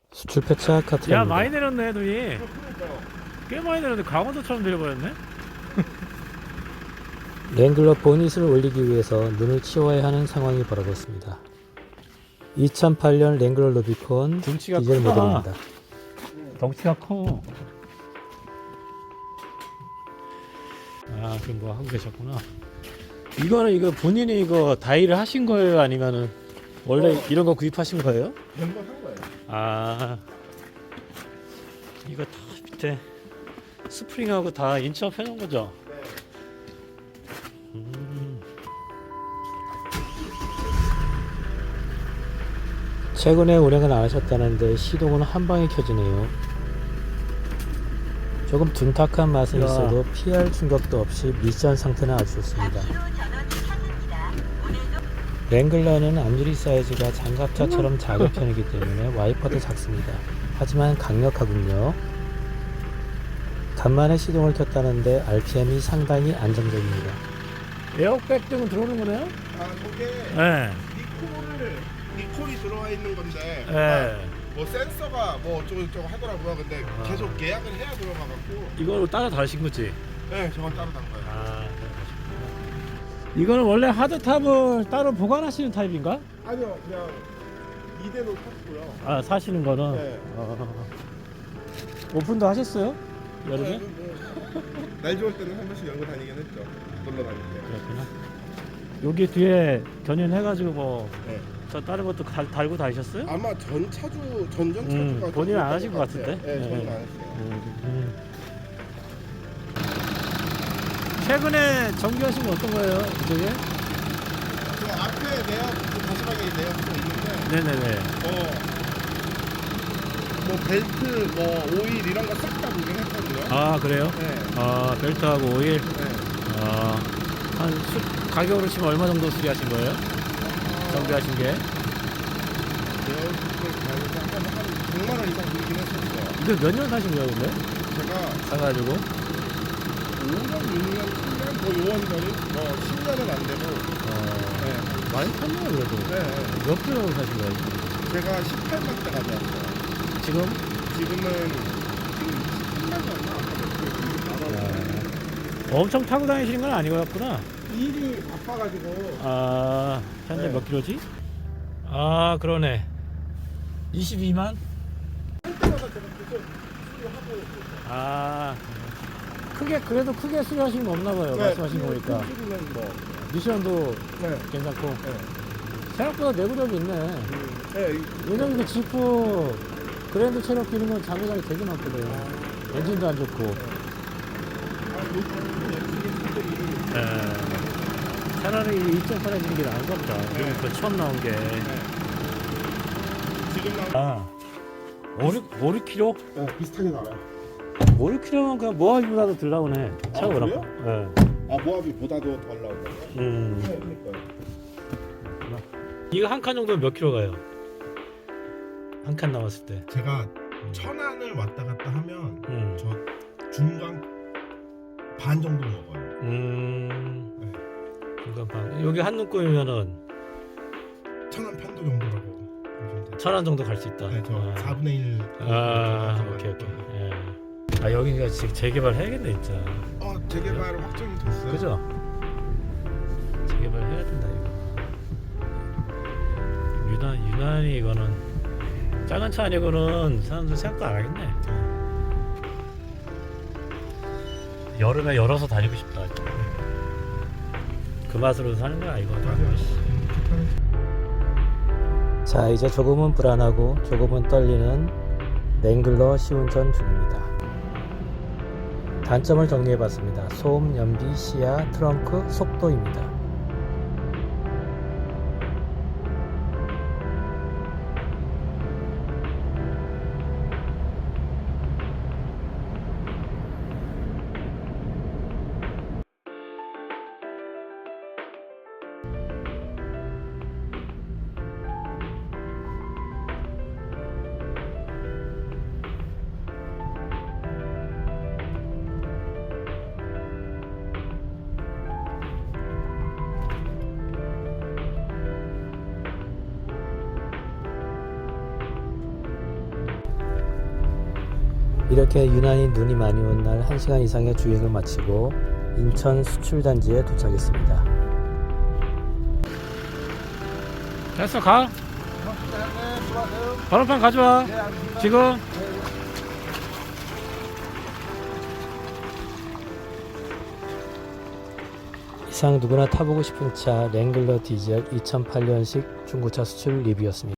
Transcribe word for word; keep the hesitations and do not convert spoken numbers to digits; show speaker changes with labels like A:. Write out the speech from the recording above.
A: 수출 폐차
B: 야
A: 카트입니다.
B: 많이 내렸네 눈이. 꽤 많이 내렸네. 강원도처럼 내려버렸네.
A: 랭글러 보닛을 올리기 위해서 눈을 치워야 하는 상황이 벌어졌습니다. 이천팔 년 랭글러 루비콘
B: 등치가
A: 디젤
B: 크다.
A: 모델입니다.
B: 덩치가 커. 아 그럼 뭐 하고 계셨구나. 이거는 이거 본인이 이거 다이를 하신 거예요? 아니면은 원래
C: 어.
B: 이런 거 구입하신 거예요?
C: 멤버 산 거예요.
B: 아 이거 다 밑에 스프링하고 다 인치업 해놓은 거죠?
C: 네.
B: 음.
A: 최근에 운행은 안 하셨다는데 시동은 한 방에 켜지네요. 조금 둔탁한 맛은
B: 야.
A: 있어도 피할 충격도 없이 미션 상태는 아주 좋습니다. 랭글러는 앞유리 사이즈가 장갑차처럼 작은 편이기 때문에 와이퍼도 작습니다. 하지만 강력하군요. 간만에 시동을 켰다는데 알피엠이 상당히 안정적입니다.
B: 에어백 등은 들어오는 거네요?
C: 아 저게
B: 네.
C: 니콜을 니콜이 들어와 있는 건데
B: 네.
C: 뭐 센서가 뭐 어쩌고 저쩌고 하더라고요. 근데
B: 아.
C: 계속 예약을 해야 들어가갖고
B: 이걸 따라 다신 거지?
C: 네 저건 따로 단 거예요.
B: 아, 이거는 원래 하드탑을 따로 보관하시는 타입인가?
C: 아니요 그냥 이대로 탔고요.
B: 아, 사시는 거는?
C: 네.
B: 어. 오픈도 하셨어요? 여름에?
C: 네, 뭐, 날 좋을 때는 한 번씩 열고 다니긴 했죠. 놀러 다닐 때.
B: 그렇구나. 여기 뒤에 견인해가지고 뭐,
C: 네.
B: 저 다른 것도 달, 달고 다니셨어요?
C: 아마 전 차주 전전 차주가
B: 음, 본인은 안 하신 것
C: 같아요.
B: 같은데?
C: 네, 저는
B: 네.
C: 안 했어요.
B: 음. 최근에 정비하신 거 어떤 거예요? 이쪽에?
C: 그 앞에 내역 그 가시방에 내역도 있는데
B: 네네네.
C: 뭐, 뭐 벨트, 뭐 오일 이런 거 싹 다 구경했거든요.
B: 아, 그래요?
C: 네.
B: 아, 벨트하고 오일?
C: 네.
B: 아, 한 수, 가격으로 치면 얼마 정도 수리하신 거예요? 정비하신 게?
C: 내역을 가해서 한, 한 백만 원 이상 들긴 했었어요.
B: 이거 몇 년 사신 거예요, 근데?
C: 제가
B: 사가지고?
C: 오 년, 육 년, 칠 년, 뭐 요원거리? 뭐 십 년은 안 되고
B: 어,
C: 네.
B: 많이 탔네요, 그래도.
C: 네.
B: 몇 킬로 사신 거예요, 지금?
C: 제가 십팔만 대 가져왔어요.
B: 지금?
C: 지금은 지금 이십삼만 원
B: 엄청 타고 다니시는 건 아니었구나.
C: 일이 바빠가지고
B: 아, 현재
C: 네.
B: 몇 킬로지? 아, 그러네. 이십이만?
C: 할 때마다 제가 계속 수리하고
B: 아, 크게, 그래도 크게 수리하신 거 없나 봐요, 말씀하신 거 보니까.
C: 수리는 뭐
B: 미션도
C: 네.
B: 괜찮고.
C: 네.
B: 생각보다 내구력이 있네.
C: 음, 네. 이-
B: 왜냐면 그 지프 그랜드 체로키는 건 장고장이 되게 많거든. 엔진도 안 좋고.
C: 아, 요즘 이게 차들이
B: 에, 차라리 이점팔 엔진이 게 나은 것 같다.
C: 네.
B: 그 처음 나온 게.
C: 지금 나
B: 아, 오륙 킬로?
C: 네, 비슷하게 나와요.
B: 오륙 킬로면 그냥 모하기보다도 덜 나오네. 차가
C: 아,
B: 워낙.
C: 그래요?
B: 예.
C: 아 모하비보다도 덜 나온다고요?
B: 음.
C: 네, 그러니까요.
B: 이거 한 칸 정도면 몇 킬로 가요? 한 칸 남았을 때.
C: 제가 천안을 왔다 갔다 하면
B: 음.
C: 저 중간 반 정도 먹어요.
B: 음.
C: 네.
B: 중간 방. 여기 한눈금이면은
C: 천안 편도 정도라고 보시면 돼요.
B: 천안 정도 갈 수 있다.
C: 네, 저
B: 아.
C: 사분의 일.
B: 아, 오케이 오케이. 예. 아 여기가 지금 재개발 해야겠네 진짜.
C: 어, 재개발 확정이 됐어요.
B: 그죠? 재개발 해야 된다 이거. 유난 유난히 이거는 작은 차 아니고는 사람들 생각도 안 하겠네. 여름에 열어서 다니고 싶다. 그 맛으로 사는 거야 이거.
A: 자, 이제 조금은 불안하고 조금은 떨리는 랭글러 시운전 중입니다. 단점을 정리해봤습니다. 소음, 연비, 시야, 트렁크, 속도입니다. 이렇게 유난히 눈이 많이 온 날 한 시간 이상의 주행을 마치고 인천 수출단지에 도착했습니다.
B: 됐어, 가. 번호판 가져와. 지금.
A: 이상 누구나 타보고 싶은 차 랭글러 디젤 이천팔 년식 중고차 수출 리뷰였습니다.